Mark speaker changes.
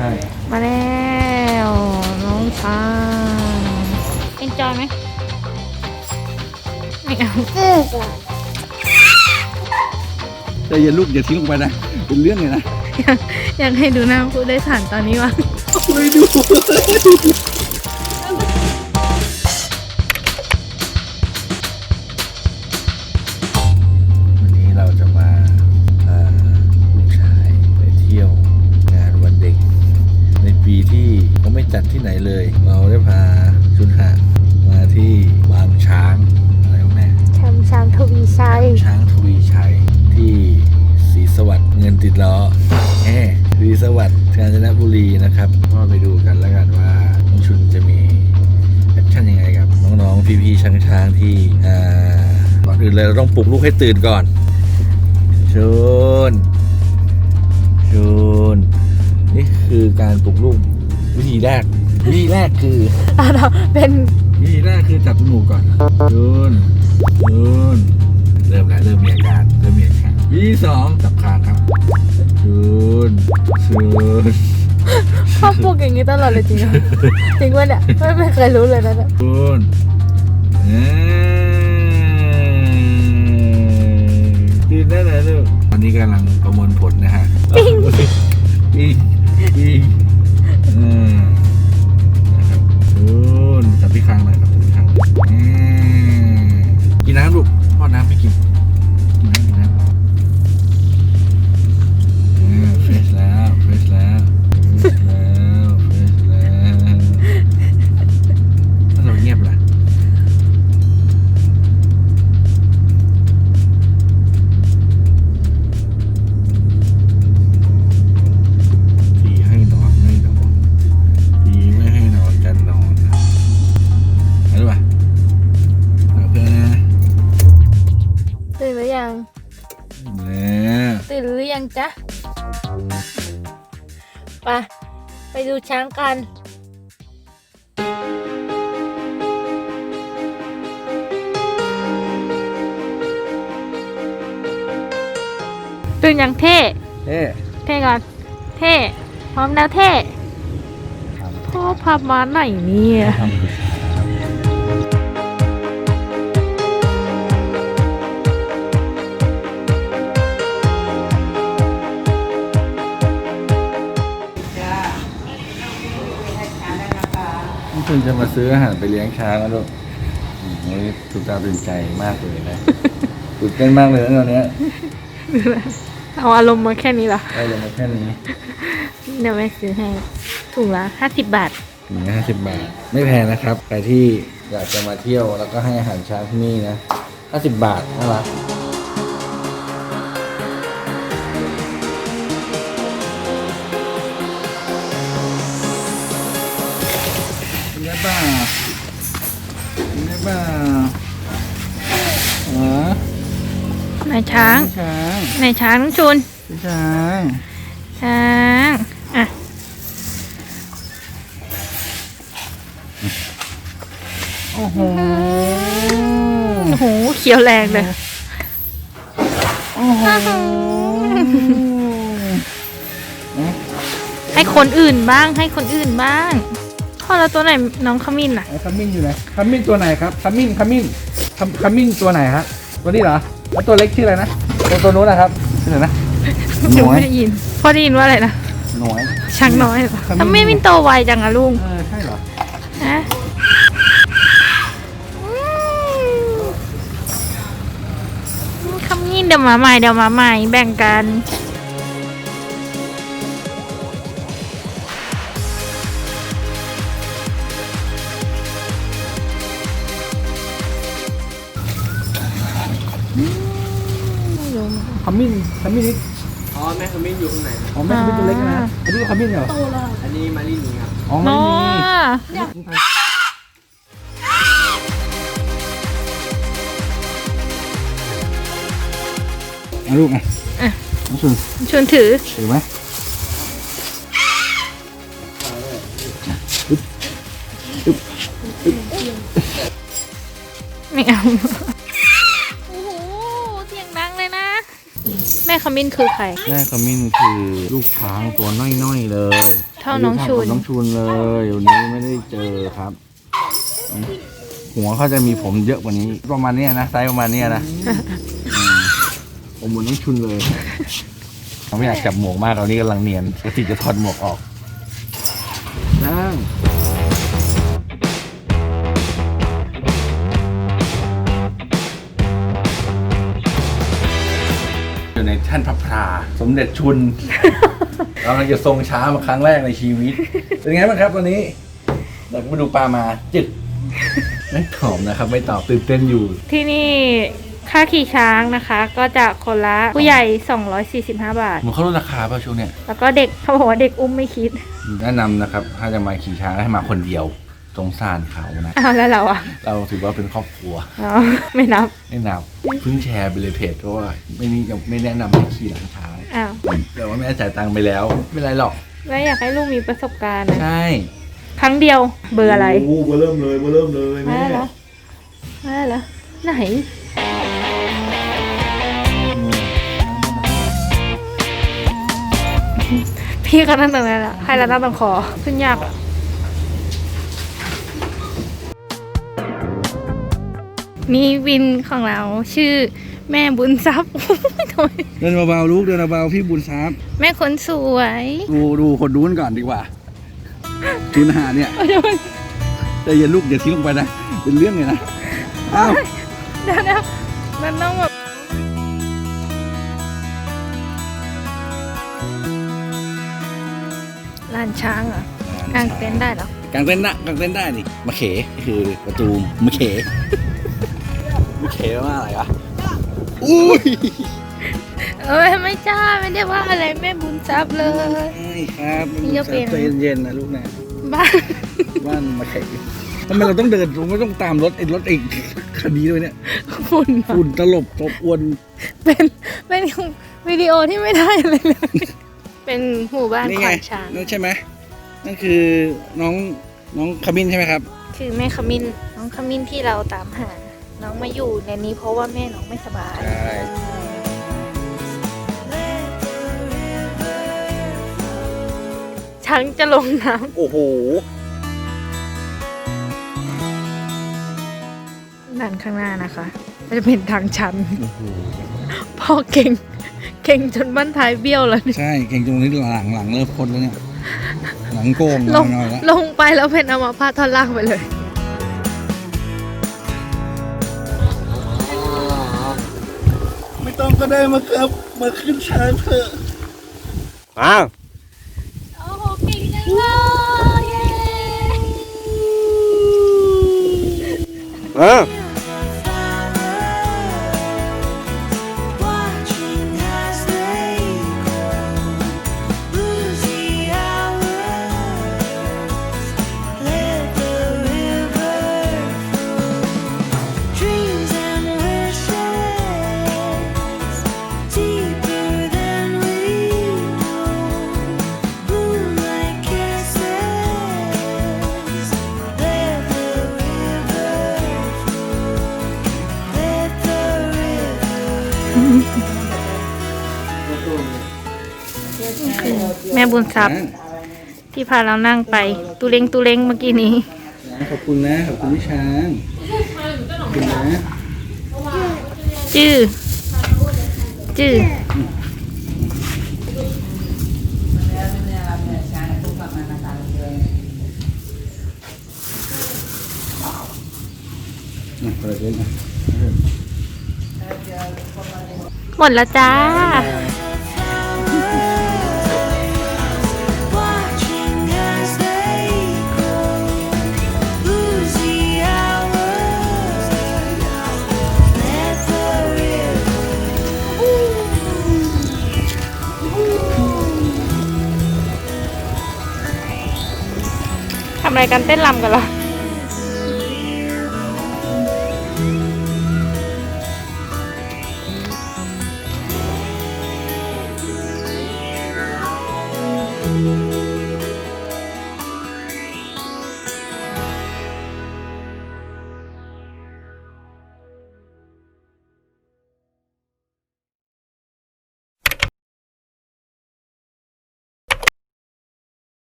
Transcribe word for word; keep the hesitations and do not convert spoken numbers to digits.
Speaker 1: ช่
Speaker 2: มาแล้วน้องช้างเอ็นจอยไหมไม่เอา
Speaker 1: แต่อย่าลูกอย่าทิ้งลงไปนะเป็นเรื่องเลยนะ
Speaker 2: อยากอยากให้ดูหน้าผู้โดยสารตอนนี้วะ
Speaker 1: ไม่ดูวันนี้เราจะมาพาลูกชายไปเที่ยวงานวันเด็กในปีที่เขาไม่จัดที่ไหนเลย เราได้พาชุนหะมาที่บางช้างอะไรวะแม่
Speaker 2: ชามชามทวีชัย
Speaker 1: ช้างทวีชัยที่ศรีสวัสดิ์เงินติดล้อแหมศรีสวัสดิ์กาญจนบุรีนะครับก็ไปดูกันแล้วกันว่าน้องชุนจะมีแอคชั่นยังไงกับน้องๆพี่ๆช้างๆที่อ่าก่อนอื่นเลยเราต้องปลุกลูกให้ตื่นก่อนชุนชุนนี่คือการปลุกลูกวิธีแรกวิธีแรกคือ
Speaker 2: อ่ะเราเป็น
Speaker 1: วิธีแรกคือจับจมูกก่อนชุนชุนเริ่มแล้วเริ่มมีอาการเริ่มมีอาการวิธีสองจับคางครับชุนชุน
Speaker 2: พ่อปลุกอย่างนี้ตลอดเลยจริงเหรอจริงวะเนี่ยไม่ไม่เคยรู้เลยนะเนี่ย
Speaker 1: ชุนเอ้ยตื่นได้เลยลูกตอนนี้กำลังประมวลผลนะฮะปิ้งปิ้งปิ้งอืมนะครับชุนจับที่คางหน่อยครับจับที่คางอืมกินน้ำลูกพ่อน้ำไม่กินกินน้ำกินน้ำอืมเฟรชแล้วเฟรชแล้วเฟรชแล้วเฟรชแล้วถ้าเราเงียบล่ะทีให้นอนไม่นอนทีไม่ให้นอนจะนอนนะเอาดูป่ะเอาเพื่อนนะ
Speaker 2: ตื่นหรือยัง
Speaker 1: เนี่ย
Speaker 2: ตื่นหรือยังจ๊ะไปไปดูช้างกันตื่นยังเท่
Speaker 1: เอ๊ะ
Speaker 2: เท่ก่อนเท่พร้อมแล้วเท่พ่อพามาไหนเนี่ย
Speaker 1: ทำคือคุณจะมาซื้ออาหารไปเลี้ยงช้างแล้วลูกอืมวันนี้ตื่นตาตื่นใจมากเลยนะตื่นเต้นมากเลยนะตอนเนี้ย
Speaker 2: เอาอารมณ์มาแค่นี้เหรอ
Speaker 1: ได้เลยมาแค่นี้
Speaker 2: เดี๋ยวแม่ซื้อให้ถุงละห้าสิบบาท
Speaker 1: ถึงห้าสิบบาท ไม่แพงนะครับใครที่อยากจะมาเที่ยวแล้วก็ให้อาหารช้างที่นี่นะห้าสิบบาทน่ารักเป็นไงบ้างเป็นไงบ้างอ๋อน
Speaker 2: ายช้าง
Speaker 1: ช้าง
Speaker 2: นายช้างน้องชุน
Speaker 1: ช้าง
Speaker 2: ช้างอ่ะ
Speaker 1: โอ้โห
Speaker 2: โอ้โหเขียวแรงเลย
Speaker 1: โอ้โห
Speaker 2: ให้คนอื่นบ้างให้คนอื่นบ้างพ่อแล้วตัวไหนน้องขมิ้นอ่ะ
Speaker 1: ขมิ้นอยู่ไหนขมิ้นตัวไหนครับขมิ้นขมิ้นขมขมิ้นตัวไหนครับตัวนี้เหรอแล้วตัวเล็กชื่ออะไรนะตัวตัวนู้นนะครับชื่ออะไรนะ
Speaker 2: หนูไม่ได้ยินพ่อได้ยินว่าอะไรนะ
Speaker 1: หน่วย
Speaker 2: ช้างน้อยเหรอ
Speaker 1: ขมิ้น
Speaker 2: ทำไมมินโตไวจังอะลุง
Speaker 1: เออใช่เหรอ
Speaker 2: ฮะขมิ้นเดี๋ยวมาใหม่เดี๋ยวมาใหม่แบ่งกัน
Speaker 1: ขมิ้นขมิ้นนี่
Speaker 3: อ๋อแม่ขมิ้นอยู่ข้างในนะ
Speaker 1: อ๋อแม่ขมิ้นตัวเล็กนะอันนี้ขมิ้นเหรอ
Speaker 3: อันนี้มารีนีครับ
Speaker 1: อ๋อไม่
Speaker 2: น้อ
Speaker 1: มีเอาลูกไงน้องชุน
Speaker 2: ชวนถือ
Speaker 1: ถือไหม
Speaker 2: ไม่เอาโอ้โหเสียงดังเลยนะ แม่ขมิ้นคือใคร
Speaker 1: แม่ขมิ้นคือลูกช้างตัวน้อยๆเลย
Speaker 2: เท่าน้องชุน
Speaker 1: น้องชุนเลยวันนี้ไม่ได้เจอครับ หัวเขาจะมีผมเยอะกว่านี้ ประมาณเนี้ยนะไซส์ประมาณเนี้ยนะผมเหมือนน้องชุนเลยเขาไม่อยากจับหมวกมากตอนนี้กำลังเนียนกระติจะถอดหมวกออกนั่งอยู่ในแท่นพระพราสมเด็จชุน เรากำลังจะทรงช้ามาครั้งแรกในชีวิต เป็นไงบ้างครับวันนี้เราไปดูปลามาจึกไม่ตอบนะครับ ไม่ตอบตื่นเต้นอยู่
Speaker 2: ที่นี่ค่าขี่ช้างนะคะ ก็จะคนละผู้ใหญ่สองร้อยสี่สิบห้าบาท
Speaker 1: มันเขาลดราคาป่ะช่วงเนี้ย
Speaker 2: แล้วก็เด็กเขาบอกว่าเด็กอุ้มไม่คิด
Speaker 1: แนะนำนะครับ ถ้าจะมาขี่ช้างให้มาคนเดียวสงสารเขานะ
Speaker 2: อ้าวแล้วเราอ่ะ
Speaker 1: เราถือว่าเป็นครอบครัว
Speaker 2: อ๋อไม่นับ
Speaker 1: ไม่นับเพิ่งแชร์ไปเลยเพจเพราะว่าไม่นี่ยังไม่แนะนำให้ขี่หลังช้าง
Speaker 2: อ้าว
Speaker 1: แต่ว่าแม่จ่ายตังค์ไปแล้ว ไม่เป็นไรหรอก
Speaker 2: แล้วอยากให้ลูกมีประสบการณ์นะ
Speaker 1: ใช่
Speaker 2: ครั้งเดียวเบอร์อะไร
Speaker 1: โอ้เบอร์เริ่มเลยเบอร์เริ่มเลย
Speaker 2: มา
Speaker 1: แม่
Speaker 2: เหรอมาเหรอไหน พี่เขานั่งตรงนั้นแหละให้เรานั่งตรงคอขึ้นยากอ่ะมีวินของเราชื่อแม่บุญทรัพย์ ทำไม
Speaker 1: เดินเบาๆลูกเดินเบาๆพี่บุญทรัพย์
Speaker 2: แม่คนสวย
Speaker 1: ดูดูคนดูนก่อนดีกว่าจุนหาเนี่ยแต่อย่าลูกอย่าทิ้งลงไปนะเป็นเรื่องเลยนะอ้าว
Speaker 2: เดี๋ยวนะมันต้องแบบลานช้างเหรอกางเต็นท์ได้เหรอก
Speaker 1: างเต้นท์นะกางเต้นท์ได้นี่มะเขคือประตูมะเขมะเขแปลว่าอะไรวะอุ้ย
Speaker 2: เอ้ยไม่จ้าไม่ได้ว่าอะไรแม่บุญทรัพย์เลย
Speaker 1: ใช่ครับ
Speaker 2: นี่ก็เป็น
Speaker 1: ใจเย็นๆนะลูกนะ
Speaker 2: บ้าน
Speaker 1: บ้านมะเขทำไมเราต้องเดินเราไม่ต้องตามรถไอ้รถไอ้คันนี้ด้วยเนี่ย
Speaker 2: ฝุ่นอะ
Speaker 1: ฝุ่นตลบตบอวน
Speaker 2: เป็นเป็นวิดีโอที่ไม่ได้อะไรเลย เป็นหมู่บ้าน
Speaker 1: นี่
Speaker 2: ข
Speaker 1: ไง
Speaker 2: วัญช้าง
Speaker 1: นั่นใช่ไหมนั่นคือน้องน้องขมิ้นใช่ไหมครับ
Speaker 2: คือแม่ขมิ้นน้องขมิ้นที่เราตามหา น้องมาอยู่ในนี้เพราะว่าแม่น้องไม่สบาย
Speaker 1: ใช่
Speaker 2: ช้างจะลงน้
Speaker 1: โอ้โห
Speaker 2: ำด้านข้างหน้านะคะก็จะเป็นทางชันพ่อเก่ง เก่งจนบ้านท้ายเบี้ยวแล้วเนี่ย
Speaker 1: ใช่เก่งตรงนี้หลังหลังเริ่มพดแล้วเนี่ยหลังโกง
Speaker 2: ลง
Speaker 1: หน่อยแล้ว
Speaker 2: ลงไปแล้วเป็นอัมพาตท่อนล่างไปเลย
Speaker 1: ไม่ต้องก็ได้มาครับมาขึ้นช้างเถอะอ้าว
Speaker 2: โอ้โหเก่งจังเลยเย้
Speaker 1: อ้าว
Speaker 2: แม่บุญทรัพย์ที่พาเรานั่งไปตูเล้งตูเล้งเมื่อกี้นี้
Speaker 1: ขอบคุณนะขอบคุณพี่ช้างขอบคุณนะ
Speaker 2: จื้อจื้อ
Speaker 1: อ่ะเปิดเลยนะ
Speaker 2: หมดแล้วจ้า ทำอะไรกันเต้นรำกันเหรอ